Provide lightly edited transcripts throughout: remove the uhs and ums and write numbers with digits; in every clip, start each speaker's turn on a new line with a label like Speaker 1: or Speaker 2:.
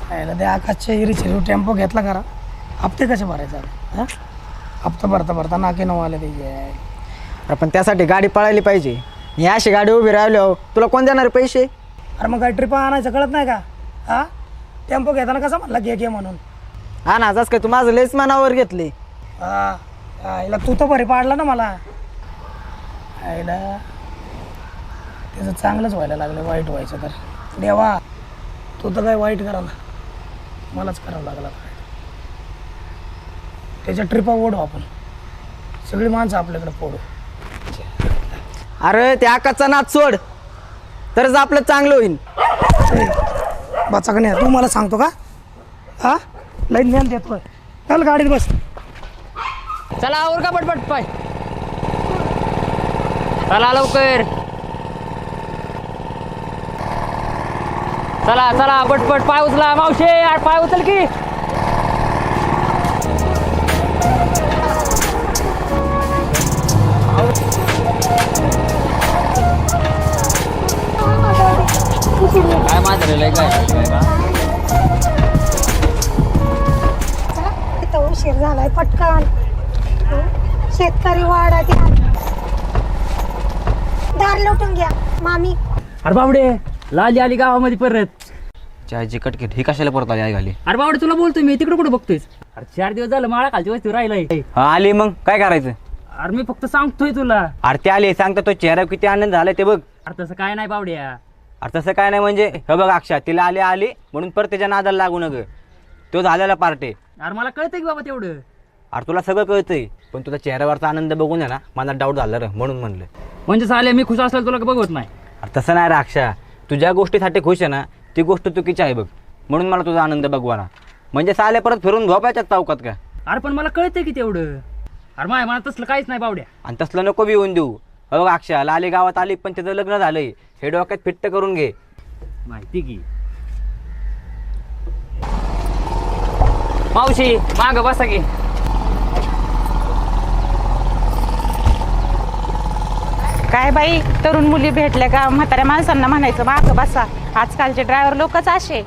Speaker 1: यायला ते आकाशच्या हिरीचे टेम्पो घेतला करा. हप्ते कसे भरायचे हां? हप्ता भरता भरता नाके नऊ आले ते.
Speaker 2: अरे पण त्यासाठी गाडी पळायली पाहिजे. ही अशी गाडी उभी राहिल्यावर तुला कोण देणार पैसे?
Speaker 1: अरे मग काय ट्रिपा आणायचं कळत नाही का? हां, टेम्पो घेताना कसा म्हणला घे म्हणून.
Speaker 2: हा ना, जास्त काय तू माझं लेस मनावर घेतले.
Speaker 1: आईला तू तर बरी पाडला ना मला. आईला त्याचं चांगलंच व्हायला लागलं, वाईट व्हायचं तर. देवा तू तर काय वाईट करा ना, मलाच करावं लागला. त्याच्या ट्रिपा ओढू आपण, सगळी माणसं आपल्याकडे पोडू.
Speaker 2: अरे त्या आकाशचा नाद सोड, तरच आपलं चांगलं होईल.
Speaker 1: बाचा का नाही तू मला सांगतो का? हा, लाईन ज्ञान देतोय. चल गाडीत बस.
Speaker 3: चला आवर का पटपट पाय. चला लवकर, चला चला पटपट पाय उचला. मावशे यार पाय उचल की. काय माजरेलं काय
Speaker 4: इथं उशीर झालाय. पटकन शेतकरी वाडा दार लुटून घ्या मामी.
Speaker 3: अरे बावडे लाली आली गावामध्ये परत.
Speaker 5: चहाची कटकेट ही कशाला परत आली आई घाली?
Speaker 3: अरे बावडे तुला बोलतोय मी, तिकडे कुठे बघतोयस? अरे 4 दिवस झालं माळा खालची वस्ती राहिलाय.
Speaker 5: हा आली मग काय करायचं?
Speaker 3: अरे मी फक्त सांगतोय तुला.
Speaker 5: अरे ते आले सांगता तो चेहरा किती आनंद झालाय ते बघ.
Speaker 3: अरे तसं काय नाही बावड्या.
Speaker 5: अरे तसं काय नाही म्हणजे हे बघ अक्षा तिला आली म्हणून परत त्याच्या नादाला लागू नग. तो झालेला पार्ट आहे.
Speaker 3: अरे मला कळतंय की बाबा तेवढं.
Speaker 5: अरे तुला सगळं कळतंय पण तुझा चेहऱ्यावरचा आनंद बघून आहे ना मला डाऊट झाला रे, म्हणून म्हणलं.
Speaker 3: म्हणजे चालेल मी खुश असलेलं तुला बघवत नाही.
Speaker 5: अरे तसं नाही रे अक्षा, तू ज्या गोष्टीसाठी खुश आहे ना ती गोष्ट चुकीची आहे बघ, म्हणून मला तुझा आनंद बघवाना. म्हणजे साले परत फिरून झोपायच्या चौकात का?
Speaker 3: अरे पण मला कळतंय की तेवढं. अरे माय मला तसलं काहीच नाही बावड्या.
Speaker 5: आणि तसलं नको बी येऊन देऊ. बघ अक्षा लाली गावात आली पण त्याचं लग्न झालंय हे डोक्यात फिट्ट करून घे.
Speaker 3: माहिती की मावशी माग बसा की.
Speaker 6: काय बाई, तरुण मुली भेटल्या का म्हाताऱ्या माणसांना म्हणायचं मागं बसा. आजकालचे ड्रायव्हर लोकच असे.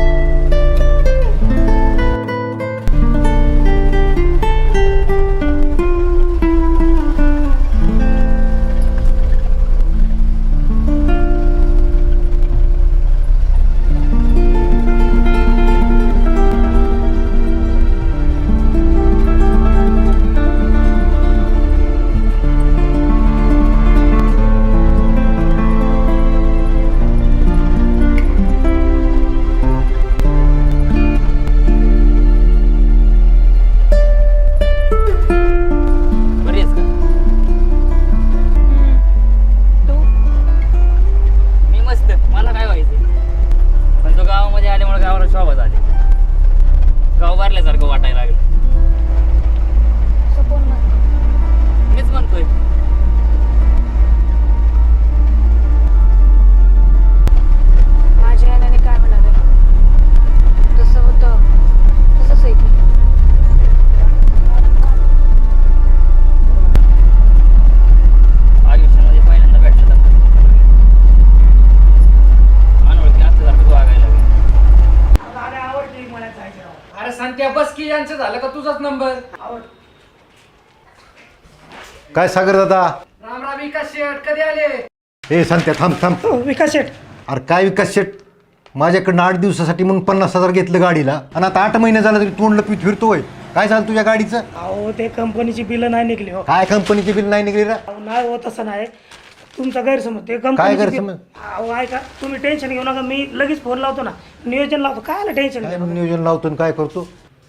Speaker 7: काय सागर दादा?
Speaker 1: राम राम. विकास शेठ कधी आले?
Speaker 7: ए सांगते थांब थांब.
Speaker 1: विकास शेठ
Speaker 7: अरे काय विकास शेठ, माझ्याकडनं 8 दिवसासाठी मग 50,000 घेतलं गाडीला आणि आता 8 महिने झालं तरी तोंड लपीत फिरतोय. काय झालं तुझ्या गाडीचं?
Speaker 1: अहो ते कंपनीची बिलं नाही निघली हो.
Speaker 7: काय कंपनीची बिल नाही निघली रे?
Speaker 1: नाही हो, तसं नाही. तुमचा गैरसमज. ते
Speaker 7: काय
Speaker 1: कंपनी
Speaker 7: गैरसमज?
Speaker 1: अहो ऐका, तुम्ही टेन्शन घेऊ नका. मी लगेच फोन लावतो ना, नियोजन लावतो. काय आलं टेन्शन?
Speaker 7: काय नियोजन लावतो आणि काय करतो?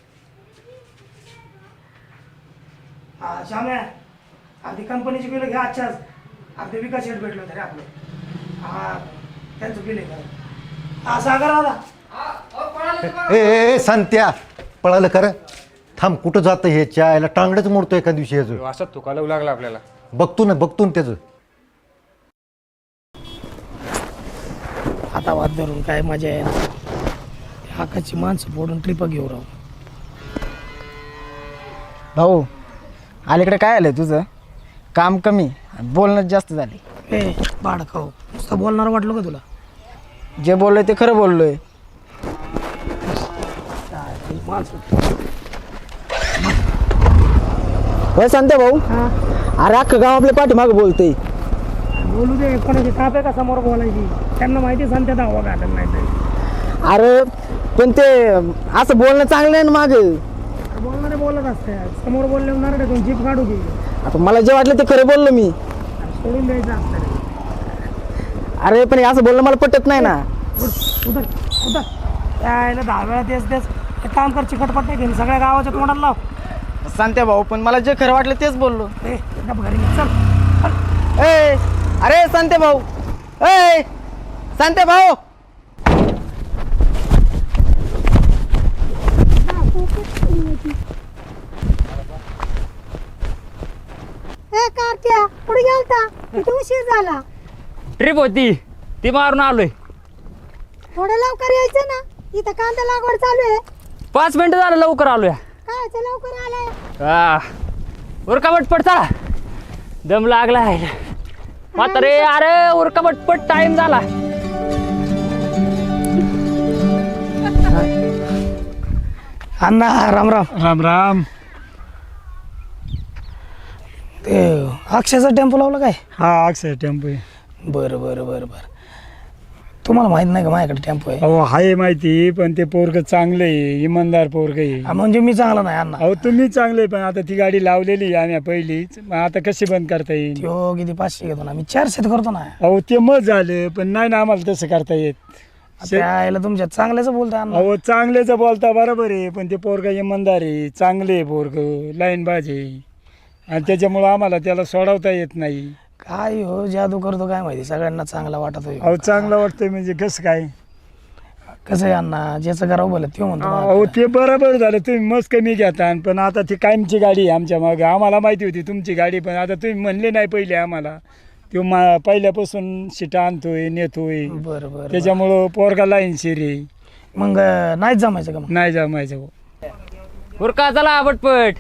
Speaker 1: हा श्याम्या, अगदी कंपनीची बिलं घ्या आजच्याच. अगदी विकास शेठ भेटलो तरी आपलं. हा त्यांचं बिल आहे. हा सागर दादा.
Speaker 7: ए संत्या, पळालं कर. थांब, कुठं जातं हे? चायला टांगडच मोडतो एका दिवशी ह्याचं.
Speaker 8: असं तुकाला लागला आपल्याला.
Speaker 7: बघतो ना त्याचं.
Speaker 1: आता वाद धरून काय मजा आहे ना. आकाशची माणसं फोडून ट्रिप घेऊ राहू.
Speaker 2: भाऊ अलीकडे काय आलंय तुझं? काम कमी बोलणं जास्त झाले.
Speaker 1: ए बाळखाऊ, नुसतं बोलणार वाटलं का तुला?
Speaker 2: जे बोललोय ते खरं बोललोय. होय सांगते भाऊ. अरे अख्खं गाव आपल्या पाठीमागं बोलतंय.
Speaker 1: बोलू दे, कोणाची ताप आहे का समोर बोलायची? त्यांना माहिती सांगते दावा घालत नाही ते.
Speaker 2: अरे पण ते असं बोलणं चांगलं आहे ना मागं.
Speaker 1: बोलणारे बोलत असते, समोर बोलले होणार कोण जीप काढू की
Speaker 2: आता मला जे वाटलं ते खरं बोललो मी.
Speaker 1: सोडून द्यायचं असतं.
Speaker 2: अरे पण हे असं बोलणं मला पटत नाही ना.
Speaker 1: उतर उतर यायला 10 वेळा तेच एक काम कर, चिकटपट नाही घेऊन सगळ्या गावाच्या तोंडाला लाव.
Speaker 2: सांगते भाऊ, पण मला जे खरं वाटलं तेच बोललो.
Speaker 1: गप घरी निघ, चल.
Speaker 2: ए अरे सांगते भाऊ, ए सांगते भाऊ.
Speaker 4: ए कार्त्या पुढे गेलता किती उशीर झाला.
Speaker 3: ट्रिप होती ती मारून आलोय.
Speaker 4: थोडं लवकर यायचं ना, इथं कांदा लागवड चालू आहे.
Speaker 3: 5 मिनिटं झालं लवकर आलोय.
Speaker 4: काय ते लवकर आलाय.
Speaker 3: उरका पटपट चला, दम लागलाय. म्हातारे अरे उरका पटपट, टाइम झाला.
Speaker 1: अण्णा राम राम.
Speaker 8: राम राम.
Speaker 1: ते अक्षयचा टेम्पो लावला काय?
Speaker 8: हा अक्षय टेम्पो आहे.
Speaker 1: बरं बरं बरं बरं. तुम्हाला माहित नाही का माझ्याकडे टेम्पो आहे?
Speaker 8: अहो आहे माहिती, पण ते पोरग चांगलं आहे, इमानदार पोरग आहे.
Speaker 1: म्हणजे मी चांगला नाही अण्णा.
Speaker 8: अहो तुम्ही चांगले, पण आता ती गाडी लावलेली आहे आम्ही पहिलीच, मग आता कशी बंद करता येईल?
Speaker 1: त्यो किती 500 घेतो ना, मी 400 करतो ना.
Speaker 8: अहो ते मग झालं, पण नाही ना आम्हाला तसं करता येत.
Speaker 1: त्याला तुमच्या चांगल्याच बोलताय अण्णा.
Speaker 8: अहो चांगलेच बोलता बरोबर आहे, पण ते पोरग इमानदार आहे, चांगले आहे पोरग, लाईन बाज आहे, आणि त्याच्यामुळं आम्हाला त्याला सोडवता येत नाही.
Speaker 1: काय हो जादू करतो काय माहिती, सगळ्यांना चांगला वाटत होय.
Speaker 8: अहो चांगलं वाटतंय म्हणजे कसं काय?
Speaker 1: कसं आहे अण्णा, ज्याचं करावं बोलत त्यो म्हणतो मला.
Speaker 8: अहो ते बरोबर झालं, तुम्ही मस्त कमी घेता, पण आता ती कायमची गाडी आहे आमच्या मागं. आम्हाला माहिती होती तुमची गाडी, पण आता तुम्ही म्हणले नाही पहिले आम्हाला. तो पहिल्यापासून शिटा आणतोय, नेतोय,
Speaker 1: बरं बरं.
Speaker 8: त्याच्यामुळं पोरगा लाईन शिरी
Speaker 1: मग नाहीच जमायचं का मग?
Speaker 8: नाही जमायचं.
Speaker 3: उरका चला पटपट.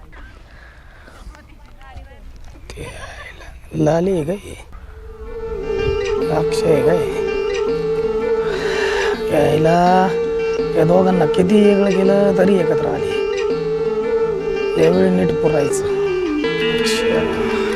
Speaker 1: लाली आहे काय? अक्षय आहे काय? यायला या दोघांना किती वेगळं केलं तरी एकत्र आले. यावेळी नीट पुरायचं.